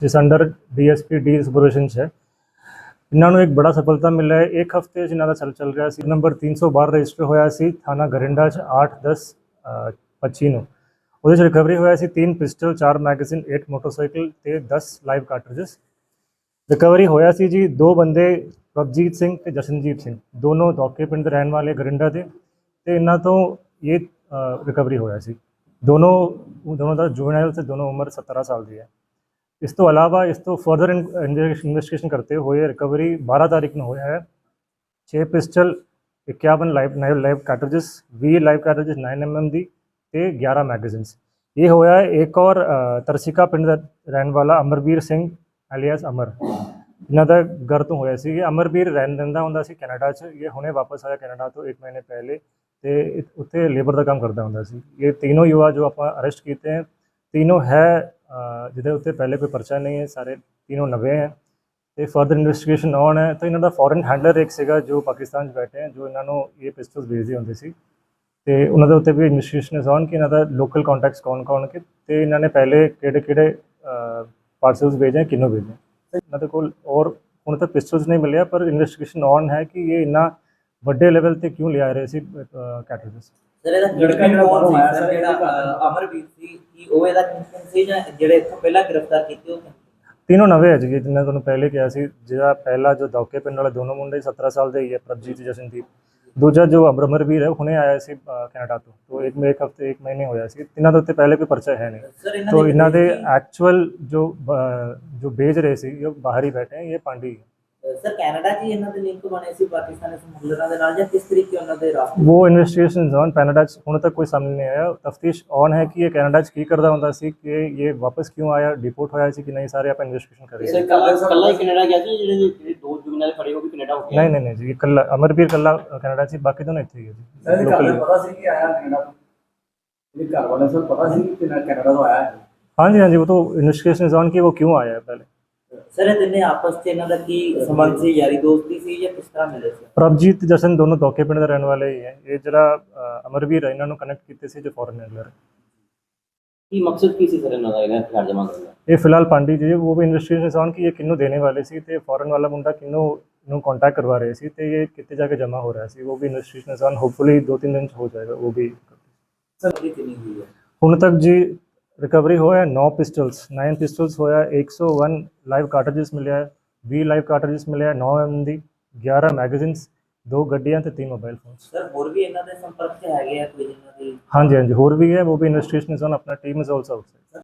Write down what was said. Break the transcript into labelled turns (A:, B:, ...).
A: जिस under DSP D supervision है। इन्होंने एक बड़ा सफलता मिला है। एक हफ्ते इन्हों का चल रहा है। नंबर 312 रजिस्टर होया सी थाना गरिंडा 8/10/25 वो रिकवरी होया सी 3 पिस्टल 4 मैगजीन 8 मोटरसाइकिल ते 10 लाइव कार्टरिजेस रिकवरी होया सी जी। 2 बंदे प्रभजीत सिंह ते जशनजीत सिंह दोनों दौके पिंड दे रहने वाले गरिंडा के ते इन्हों तो ये रिकवरी होया सी। दोनों का जुवेनाइल से दोनों उम्र 17 साल की है। इस तो अलावा इस तो फर्दर इन्वेस्टिगेशन करते हुए रिकवरी 12 तारीख में होया है 6 pistol 51 live cartridges 20 live cartridges 9mm दी ते 11 मैगजीन्स। ये होया है। एक और तरसिका पिंड दा रहने वाला अमरवीर सिंह एलियास अमर इन्हों का घर तो होया सी। अमरवीर रहिंदा हुंदा सी कैनेडा च। ये हुणे वापस आया कैनेडा तो 1 महीने पहले तो उत्थे लेबर का काम करता हुंदा सी। ये तीनों युवा जो आप अरेस्ट किए हैं तीनों है जिहदे उत्ते पहले कोई परचा नहीं है। सारे तीनों नवे हैं तो फर्दर इन्वेस्टिगेशन ऑन है। तो इन्हों का फॉरन हैंडलर एक सीगा जो पाकिस्तान बैठे हैं जो इन्होंने ये पिस्टल्स भेजते होंगे सी तो उन्होंने उत्ते भी इन्वेस्टिगेशन ऑन कि इन्हों लोकल कॉन्टैक्ट्स कौन कौन के तो इन्होंने पहले किहड़े पार्सल्स भेजे किनों भेजे इन्होंने कोल और हुण तक पिस्टल्स नहीं मिले पर इन्वेस्टिगेशन ऑन है कि ये इन्ना वड्डे लेवल पर क्यों लिया रहे सी कैटरिजेस।
B: सर ਇਹਦਾ ਲੜਕਾ ਜਿਹੜਾ ਕੌਣ ਹੈ ਸਰ ਜਿਹੜਾ ਅਮਰਵੀਰ ਸੀ ਕਿ ਉਹ ਇਹਦਾ ਕਨੈਕਸ਼ਨ ਸੀ ਜਾਂ ਜਿਹੜੇ ਇੱਥੋਂ ਪਹਿਲਾਂ ਗ੍ਰਿਫਤਾਰ ਕੀਤੇ ਹੋਏ
A: तीनों नवे है जी। जिन्हें तुहानूं पहले कहा सी जिहड़ा पहला जो दौके पिंड वाले दोनों मुंडे 17 साल के ही है प्रभजीत जशनदीप। दूजा जो अमरवीर है हुणे आया सी कैनेडा तो एक महीने होया सी। इन्हां दे उत्ते पहले कोई परचा है नहीं तो इन्हां दे एक्चुअल जो भेज रहे सी ये बाहर ही बैठे हैं ये पांडी
B: सर कनाडा जी ਇਹਨਾਂ ਦੇ ਲਿੰਕ ਬਣੇ ਸੀ ਪਾਕਿस्तानी ਸਮਗਲਰਾਂ ਦੇ ਨਾਲ ਜਾਂ किस तरीके ਉਹਨਾਂ ਦੇ ਰਾਸਤੇ
A: वो इन्वेस्टिगेशन ऑन कनाडा हुण तक कोई सामने नहीं आया। तफ्तीश ऑन है कि ये कनाडा की करता हुंदा सी कि ये वापस क्यों आया डिपोर्ट होया सी कि नहीं सारे आप इन्वेस्टिगेशन कर रहे हैं।
B: ਕੱਲਾ ਹੀ ਕੈਨੇਡਾ ਗਿਆ ਸੀ ਜਿਹੜੇ ਦੋ ਜੁਗਨਾਲ ਖੜੇ ਹੋ ਕੇ ਕੈਨੇਡਾ ਹੋ ਗਏ
A: नहीं जी कल्ला अमरवीर कल्ला कनाडा सी बाकी दोनों इत्थे ही है जी। लोकल
C: पता सी कि आया कनाडा ये घर वाले सब पता सी कि कनाडा तो आया है।
A: हाँ जी वो तो इन्वेस्टिगेशन ऑन कि वो क्यों आया है पहले।
B: सर ਇਹ ਤਿੰਨੇ ਆਪਸ ਚ ਇਹਨਾਂ ਦਾ ਕੀ ਸੰਬੰਧ ਸੀ ਯਾਰੀ ਦੋਸਤੀ ਸੀ ਜਾਂ ਕਿਸ ਤਰ੍ਹਾਂ ਮਿਲੇ ਸੀ।
A: प्रभजीत जशन दोनों दौके पिंड के रहने वाले ही हैं। ये जरा अमरवीर है इन्होंने कनेक्ट किए जो फॉरन हैंडलर है।
B: ਕੀ ਮਕਸਦ ਕੀ ਸੀ ਸਰ ਇਹਨਾਂ ਦਾ ਇਹਨਾਂ ਹਥਿਆਰ ਜਮ੍ਹਾਂ ਕਰਨ ਦਾ।
A: ये फिलहाल पांडी जी वो भी इन्वेस्टिगेशन ऑन कि ये किन्नू देने वाले सी तो फॉरन वाला मुंडा किन्नू कॉन्टैक्ट करवा रहे सी तो ये कितने जाके जमा हो रहा है वो भी इन्वेस्टिगेशन ऑन होपफुली 2-3 दिन हो जाएगा वो भी।
B: सर कितनी हुई है
A: हुण तक जी रिकवरी होया 9 पिस्टल्स होया 101 लाइव कार्टरिजेस मिले है 20 लाइव कार्टरिजेस मिले है 9mm दी 11 मैगजीन्स 2 गड्डियां ते 3 मोबाइल फोन।
B: सर ਹੋਰ ਵੀ ਇਹਨਾਂ ਦੇ ਸੰਪਰਕ ਚ ਹੈਗੇ ਆ ਕੋਈ ਇਹਨਾਂ ਦੀ।
A: हाँ जी होर भी है वो भी इन्वेस्टिगेशन ऑन अपना टीम इज ऑल्सो आउटसाइड।